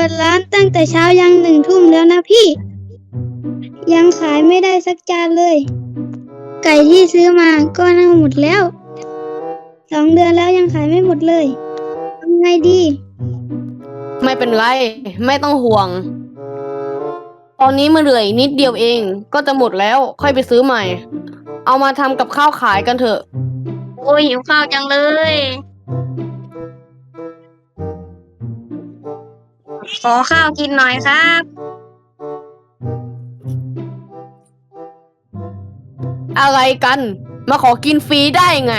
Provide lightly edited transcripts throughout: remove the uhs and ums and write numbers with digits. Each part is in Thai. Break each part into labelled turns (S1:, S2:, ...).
S1: ปิดร้านตั้งแต่เช้ายัง1 ทุ่มแล้วนะพี่ ยังขายไม่ได้สักจานเลย ไก่ที่ซื้อมาก็เน่าหมดแล้ว2 เดือนแล้วยังขายไม่หมดเลยทำไงดี
S2: ไม่เป็นไร ไม่ต้องห่วง ตอนนี้มันเหลืออีกนิดเดียวเอง ก็จะหมดแล้ว ค่อยไปซื้อใหม่ เอามาทำกับข้าวขายกันเถอะ
S3: โอ้ยหิวข้าวจังเลย ขอข้าวกินหน่อยครับ
S2: อะไรกัน มาขอกินฟรีได้ไง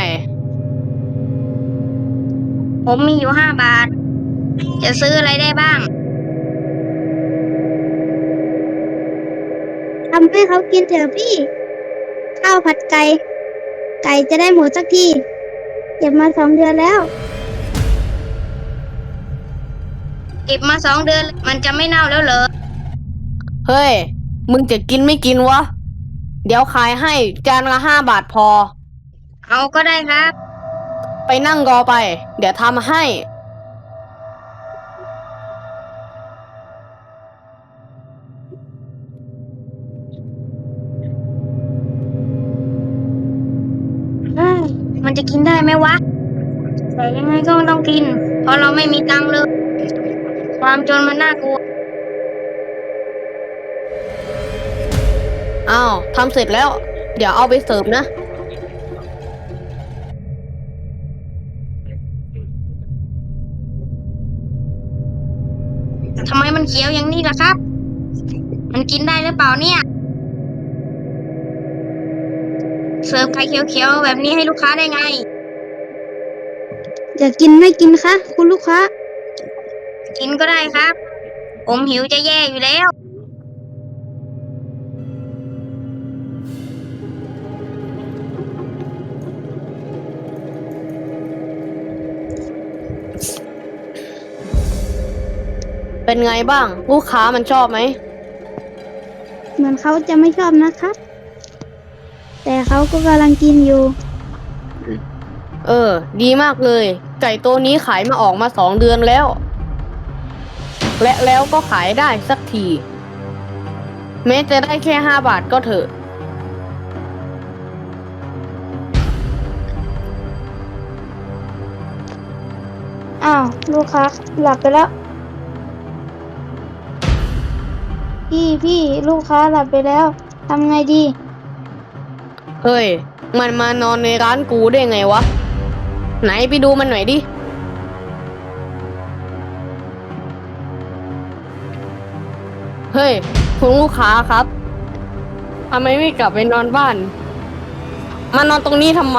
S3: ผมมีอยู่5 บาท จะซื้ออะไรได้บ้าง
S1: ทำให้เขากินเถอะพี่ ข้าวผัดไก่ ไก่จะได้หมดสักทีเก็บมา2 เดือนแล้ว
S3: เก็บมา2 เดือน มันจะไม่เน่าแล้วเหรอ
S2: เฮ้ย มึงจะกินไม่กินวะ เดี๋ยวขายให้จานละ5 บาทพอ
S3: เอาก็ได้ครับ
S2: ไปนั่งรอไป เดี๋ยวทำให้
S3: มันจะกินได้ไหมวะ แต่ยังไงก็ต้องกิน เพราะเราไม่มีตังค์เลย ความจนมันน่ากลัว
S2: อ้าวทำเสร็จแล้ว เดี๋ยวเอาไปเสิร์ฟนะ
S3: ทำไมมันเขียวอย่างนี้ล่ะครับ มันกินได้หรือเปล่าเนี่ย เสิร์ฟไข่เขียวๆแบบนี้ให้ลูกค้าได้ไง
S1: จะกินไม่กินคะคุณลูกค้า
S3: กินก็ได้ครับ ผมหิวจะแย่อยู่แล้ว
S2: เป็นไงบ้าง ลูกค้ามันชอบไหม
S1: เหมือนเขาจะไม่ชอบนะครับ แต่เขาก็กำลังกินอยู่
S2: ดีมากเลย ไก่ตัวนี้ขายมาออกมา2 เดือนแล้ว และแล้วก็ขายได้สักที แม้จะได้แค่5 บาทก็เถอะ
S1: อ้าว ลูกค้าหลับไปแล้ว พี่ลูกค้าหลับไปแล้วทำไงดี
S2: เฮ้ย มันมานอนในร้านกูได้ไงวะ ไหนไปดูมันหน่อยดิ เฮ้ยคุณลูกค้าครับทำไมไม่กลับไปนอนบ้าน มานอนตรงนี้ทำไม